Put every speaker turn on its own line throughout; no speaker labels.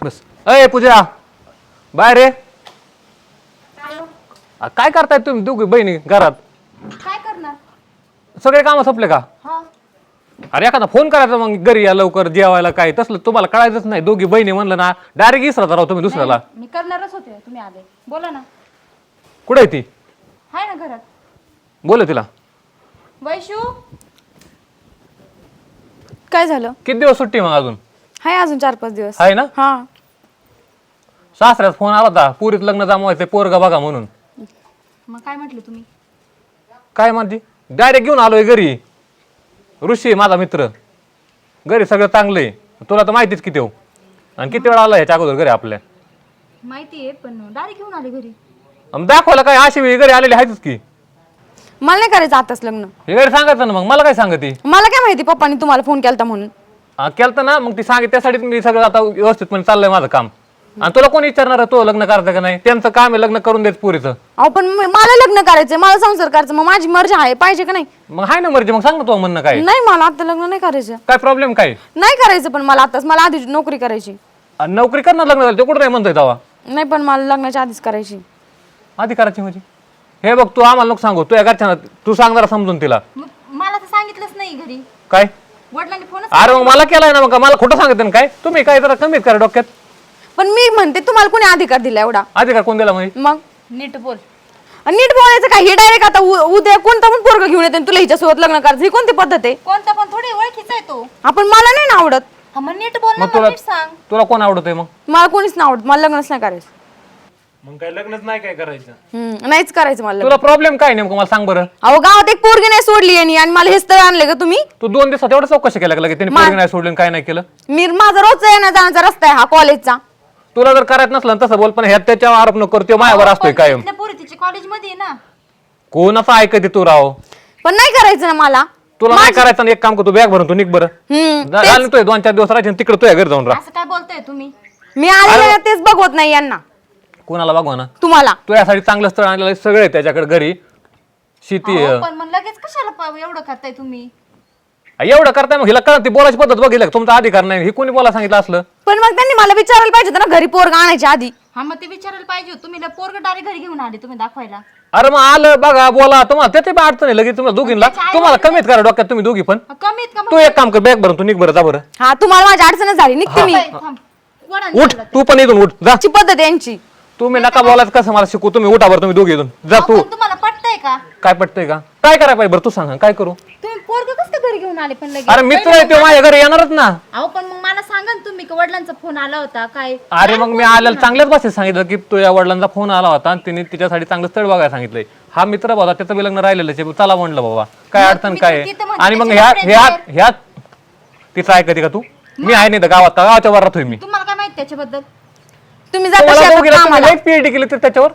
बस. अय पूजा बाय रे. काय करताय तुम्ही दोघी बहिणी घरात?
काय करणार?
सगळे काम संपले का?
हा.
अरे एखादा फोन करायचा मग घरी या लवकर जेवायला. काय तसलं तुम्हाला कळायचंच नाही. दोघी बहिणी म्हणलं ना डायरेक्ट इसरता राव तुम्ही दुसऱ्याला.
मी करणारच होते, तुम्ही आले. बोला ना.
कुठे आहे ती?
हाय ना घरात.
बोल तिला.
वैशू
काय झालं?
किती दिवस सुट्टी मग अजून?
हाय अजून 4-5 दिवस.
आहे ना?
हा.
सासऱ्याचा फोन आला होता पुरीत लग्न जमवायचं पोरगा बघा म्हणून.
मग काय म्हटलं तुम्ही?
काय म्हणते? डायरेक्ट घेऊन आलोय घरी. ऋषी आहे माझा मित्र. घरी सगळं चांगलं आहे. तुला तर माहितीच किती हो. आणि किती वेळा आला ह्याच्या अगोदर घरी आपल्या?
माहिती आहे पण डायरेक्ट घेऊन आले घरी.
दाखवायला काय अशी वेळी घरी आलेली आहेतच की.
मला नाही करायचं आताच लग्न.
हे घरी सांगायचं ना मग. मला काय सांगते?
मला काय माहिती पप्पांनी तुम्हाला फोन केलता म्हणून.
केलं ना मग ती सांगितलं त्यासाठी मी सगळं आता व्यवस्थितपणे चाललंय माझं काम. आणि तुला कोणी विचारणार आहे तो लग्न करायचं का नाही? त्यांचं काम आहे लग्न करून देत पुरीचं.
अहो पण मला लग्न करायचंय, मला संसार करायचा, मग माझी मर्जी आहे पाहिजे का नाही?
मग हाय ना मर्जी. मग सांग ना तो म्हणणं काय?
नाही मला आता लग्न नाही करायचं.
काय प्रॉब्लेम काय?
नाही करायचं पण मला आताच. मला आधी नोकरी करायची.
आणि नोकरी करणार लग्न झालं ते कुठं नाही म्हणतोय तेव्हा?
नाही पण मला लग्नाच्या आधीच करायची.
आधी करायची म्हणजे? हे बघ तू आम्हाला नको सांगू. तू घरच्या तू सांग जरा समजून तिला.
मला तर सांगितलंच नाही घरी.
काय?
वडिलांनी फोनच.
अरे मग मला केलाय ना. मग मला खोटं सांगितलं ना काय? तुम्ही काय जरा कमीत करा डोक्यात.
पण मी म्हणते तुम्हाला कोणी अधिकार दिला एवढा?
अधिकार कोण दिला म्हणजे?
मग
नीट बोल.
आणि नीट बोलायचं काय? हे डायरेक्ट आता उद्या कोणता पण पोरगा घेऊन येते तुला हिच्यासोबत लग्न करायचं, ही कोणती पद्धत आहे?
कोणता पण थोडी ओळखीचा आहे तो.
आपण मला नाही ना आवडत.
हा मग नीट बोल ना.
मग तुला
नीट सांग.
तुला कोण आवडतंय मग?
मला कोणीच नाही आवडत. मला लग्नच नाही करायचं.
मग काय लग्नच नाही काय करायचं?
नाहीच करायचं मला लग्न.
तुला प्रॉब्लेम काय नेमकं मला सांग बरं.
अहो गावात एक पोरगी नाही सोडली यांनी आणि मला हेच तर आणले का तुम्ही?
तू 2 दिवसात एवढं चौकशी केल्या का? त्यांनी पोरगी नाही सोडली काय नाही केलं?
मी माझा रोजचा येण्या जाण्याचा रस्ता आहे हा कॉलेजचा.
तुला जर करायचं नसलं तसं बोल. पण ह्यात त्याच्यावर आरोप नको करू. तो माझ्यावर असतोय कायम.
पोरी तिची कॉलेज मध्ये आहे ना.
कोणाचं ऐकते तू राव?
पण नाही करायचं ना मला.
तुला नाही करायचं ना एक काम कर. तू बॅग भरून तू निघ बरं. झालं तोय 2-4 दिवस राहायचे तिकडे तुझ्या घरी जाऊन राहा.
असं काय बोलताय तुम्ही?
मी आले ना तेच बघवत नाही यांना.
कोणाला बघवा ना?
तुम्हाला.
तू यासाठी चांगलं स्थळ आणलेलं सगळं आहे त्याच्याकडे घरी. शेती आहे.
पण मग लगेच कशाला एवढं करताय तुम्ही?
एवढं करताय मग हिला कळत ती बोलायची पद्धत बघितलं का? तुमचा अधिकार नाही. हे कोणी बोला सांगितलं असलं?
पण मग त्यांनी मला विचारायला पाहिजे होतं ना घरी पोरगा आणायच्या आधी.
हा मग ते विचारायला पाहिजे होतं. तुम्ही पोरग डायरेक्ट घरी घेऊन आले तुम्ही दाखवायला.
अरे मग आलं बघा बोला तुम्हाला त्याची पण अडचण आहे लगेच तुम्हाला दोघींना. तुम्हाला कमीत करा डोक्यात तुम्ही दोघी पण.
कमीत
तू एक काम कर बॅग भरून तू निघ बरं जा बरं.
हा तुम्हाला माझी अडचणच झाली निघते मी.
उठ तू पण इथून उठ जा.
ची पद्धत आहे यांची.
तुम्ही नका बोलायचं कसं मला शिकू. तुम्ही उठा बरं तुम्ही दोघी इथून जा. तू
तुम्हाला पटतंय का?
काय पटतंय का? काय करायला पाहिजे बरं तू सांग काय करू?
तुम्ही पोरग कसं काय घरी घेऊन आले पण लगेच?
अरे मित्र आहे तो माझ्या घरी येणारच ना.
अहो पण मग मला सांगा ना तुम्ही वडिलांचा फोन आला होता काय?
अरे मग मी आल्याला चांगल्याच भाषेत सांगितलं की तुझ्या वडिलांचा फोन आला होता आणि तिने तिच्यासाठी चांगलं स्थळ बघायला सांगितलंय. हा मित्र बाबा त्याचं बी लग्न राहिलेलं चला म्हणलं बाबा काय अडचण काय आहे? आणि मग ह्या तिचं ऐकते का तू? मी आहे नाही तर गावाच्या वर राहतोय मी.
तुम्हाला काय माहिती त्याच्याबद्दल?
तुम्ही जाता शेतात कामाला.
लई पीएचडी केली तर त्याच्यावर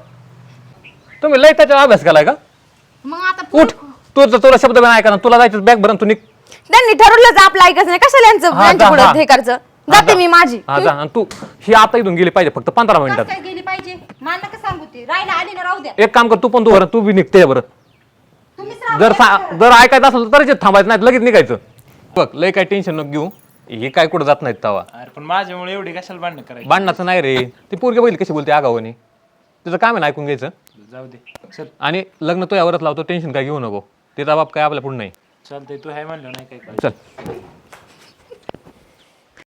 तुम्ही लई त्याच्यावर अभ्यास केलाय का?
मग आता
उठ तुला शब्द नाही ऐका ना. तुला जायचं बॅग भरून तू निघ.
त्यांनी ठरवलं आपलं ऐकायचं नाही कशाला यांचं पुढे हे करायचं. जाते मी माझी.
हा जा. आणि तू ही आता इथून गेली पाहिजे फक्त 15 मिनिटात.
काय गेली पाहिजे मला नका सांगू ते. राहिला आली ना राहू द्या.
एक काम कर तू पण तू बी निघते बरं.
तुम्हीच
जर ऐकायचं असेल तर थांबायचं नाही लगेच निघायचं. बघ लय काय टेन्शन नको घेऊ. हे काय कुठं जात नाहीत तवा.
अरे पण माझ्यामुळे एवढी कशाला भांडण करायची?
भांडणाचं नाही रे. ती पोरगी बघितली कशी बोलते आगावानी. तुझं काम आहे ना ऐकून घ्यायचं.
जाऊ दे चल.
आणि लग्न तो यावरच लावतो. टेन्शन काय घेऊ नको. तिचा बाप काय आपल्या पुढे नाही.
चालतंय तू हाय म्हणलं नाही काय
चल.